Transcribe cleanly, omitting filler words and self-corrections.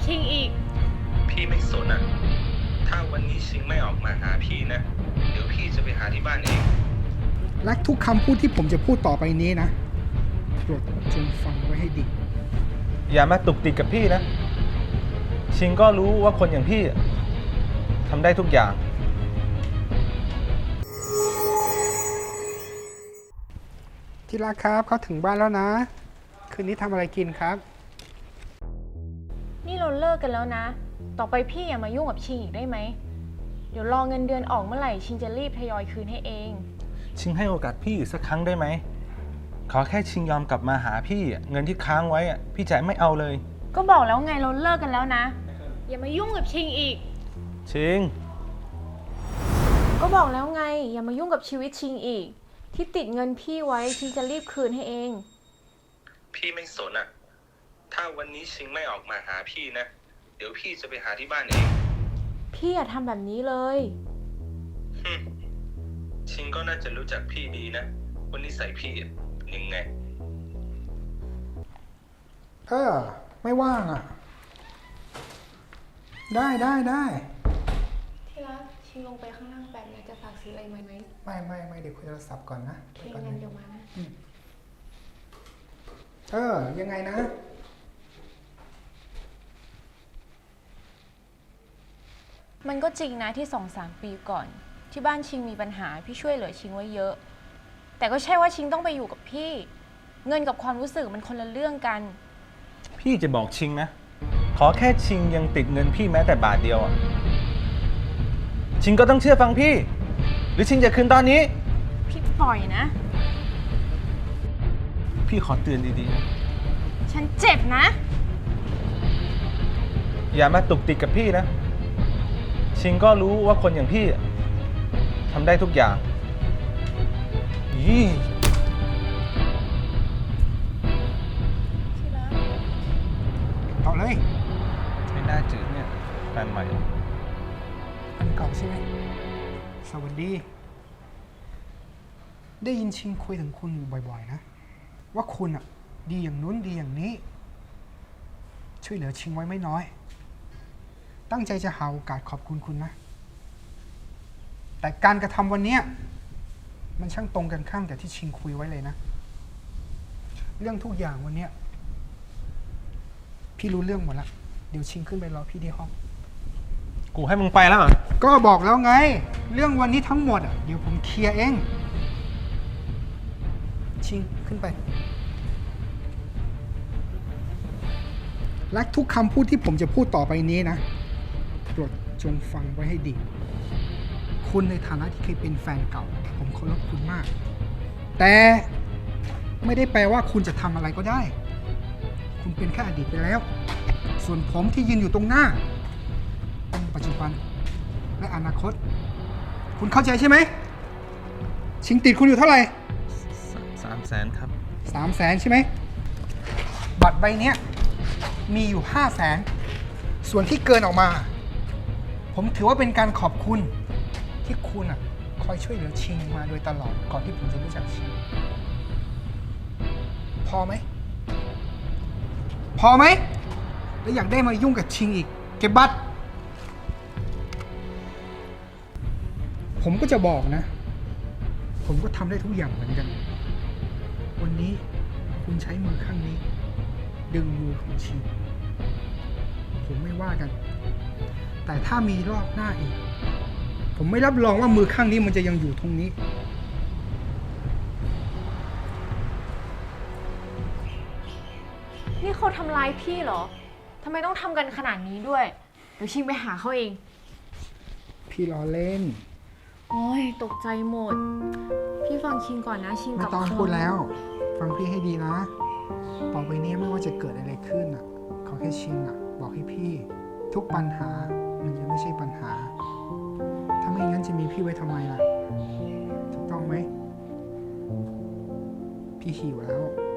ชิงอีกพี่ไม่สนอะถ้าวันนี้ชิงไม่ออกมาหาพี่นะเดี๋ยวพี่จะไปหาที่บ้านเองและทุกคำพูดที่ผมจะพูดต่อไปนี้นะโปรดจงฟังไว้ให้ดีอย่ามาตุกติกกับพี่นะชิงก็รู้ว่าคนอย่างพี่ทำได้ทุกอย่างที่รักครับเขาถึงบ้านแล้วนะ คืนนี้ทำอะไรกินครับนี่เราเลิกกันแล้วนะต่อไปพี่อย่ามายุ่งกับชิงอีกได้ไหมเดี๋ยวรอเงินเดือนออกเมื่อไหร่ชิงจะรีบทยอยคืนให้เองชิงให้โอกาสพี่อีกสักครั้งได้ไหมขอแค่ชิงยอมกลับมาหาพี่เงินที่ค้างไว้พี่จะไม่เอาเลยก็บอกแล้วไงเราเลิกกันแล้วนะอย่ามายุ่งกับชิงอีกชิงก็บอกแล้วไงอย่ามายุ่งกับชีวิตชิงอีกที่ติดเงินพี่ไว้ชิงจะรีบคืนให้เองพี่ไม่สนอะถ้าวันนี้ชิงไม่ออกมาหาพี่นะเดี๋ยวพี่จะไปหาที่บ้านเองพี่อย่าทำแบบนี้เลยชิงก็น่าจะรู้จักพี่ดีนะว่านิสัยพี่ยังไงไม่ว่างอ่ะได้ที่รักชิงลงไปข้างล่างแบบนี้จะฝากซื้ออะไรไหมไม่เดี๋ยวคุยโทรศัพท์ก่อนนะโอเคงั้นเดี๋ยวมานะยังไงนะมันก็จริงนะที่ 2-3 ปีก่อนที่บ้านชิงมีปัญหาพี่ช่วยเหลือชิงไว้เยอะแต่ก็ใช่ว่าชิงต้องไปอยู่กับพี่เงินกับความรู้สึกมันคนละเรื่องกันพี่จะบอกชิงนะขอแค่ชิงยังติดเงินพี่แม้แต่บาทเดียวชิงก็ต้องเชื่อฟังพี่หรือชิงจะคืนตอนนี้พี่ปล่อยนะพี่ขอเตือนดีๆฉันเจ็บนะอย่ามาตุกติกกับพี่นะชิงก็รู้ว่าคนอย่างพี่ทำได้ทุกอย่างต่อเลยไม่น่าจืดเนี่ยแฟนใหม่อันเก่าใช่ไหมสวัสดีได้ยินชิงคุยถึงคุณอยู่บ่อยๆนะว่าคุณดีอย่างนู้นดีอย่างนี้ช่วยเหลือชิงไว้ไม่น้อยตั้งใจจะหาโอกาสขอบคุณคุณนะแต่การกระทำวันนี้มันช่างตรงกันข้ามกับที่ชิงคุยไว้เลยนะเรื่องทุกอย่างวันนี้พี่รู้เรื่องหมดแล้วเดี๋ยวชิงขึ้นไปรอพี่ที่ห้องกูให้มึงไปแล้วเหรอก็บอกแล้วไงเรื่องวันนี้ทั้งหมดเดี๋ยวผมเคลียร์เองชิงขึ้นไปและทุกคำพูดที่ผมจะพูดต่อไปนี้นะโปรดจงฟังไว้ให้ดีคุณในฐานะที่เคยเป็นแฟนเก่าผมเคารพคุณมากแต่ไม่ได้แปลว่าคุณจะทำอะไรก็ได้คุณเป็นแค่อดีตไปแล้วส่วนผมที่ยืนอยู่ตรงหน้าเป็นปัจจุบันและอนาคตคุณเข้าใจใช่ไหมชิงติดคุณอยู่เท่าไหร่ 300,000 ครับ 300,000ใช่ไหมบัตรใบนี้มีอยู่500,000ส่วนที่เกินออกมาผมถือว่าเป็นการขอบคุณที่คุณคอยช่วยเหลือชิงมาโดยตลอดก่อนที่ผมจะรู้จักชิงพอไหมแล้วอยากได้มายุ่งกับชิงอีกเก็บบัตรผมก็จะบอกนะผมก็ทำได้ทุกอย่างเหมือนกันวันนี้คุณใช้มือข้างนี้ดึงมือของชิงผมไม่ว่ากันแต่ถ้ามีรอบหน้าอีกผมไม่รับรองว่ามือข้างนี้มันจะยังอยู่ตรงนี้นี่เขาทำร้ายพี่เหรอทำไมต้องทำกันขนาดนี้ด้วยเดี๋ยวชิงไปหาเขาเองพี่ล้อเล่นโอ้ยตกใจหมดพี่ฟังชิงก่อนนะชิงกับไม่ต้องพูดแล้วฟังพี่ให้ดีนะต่อไปนี้ไม่ว่าจะเกิดอะไรขึ้นขอแค่ชิงบอกให้พี่ทุกปัญหามันยังไม่ใช่ปัญหาถ้าไม่งั้นจะมีพี่ไว้ทำไมล่ะถูกต้องไหมพี่หิวแล้ว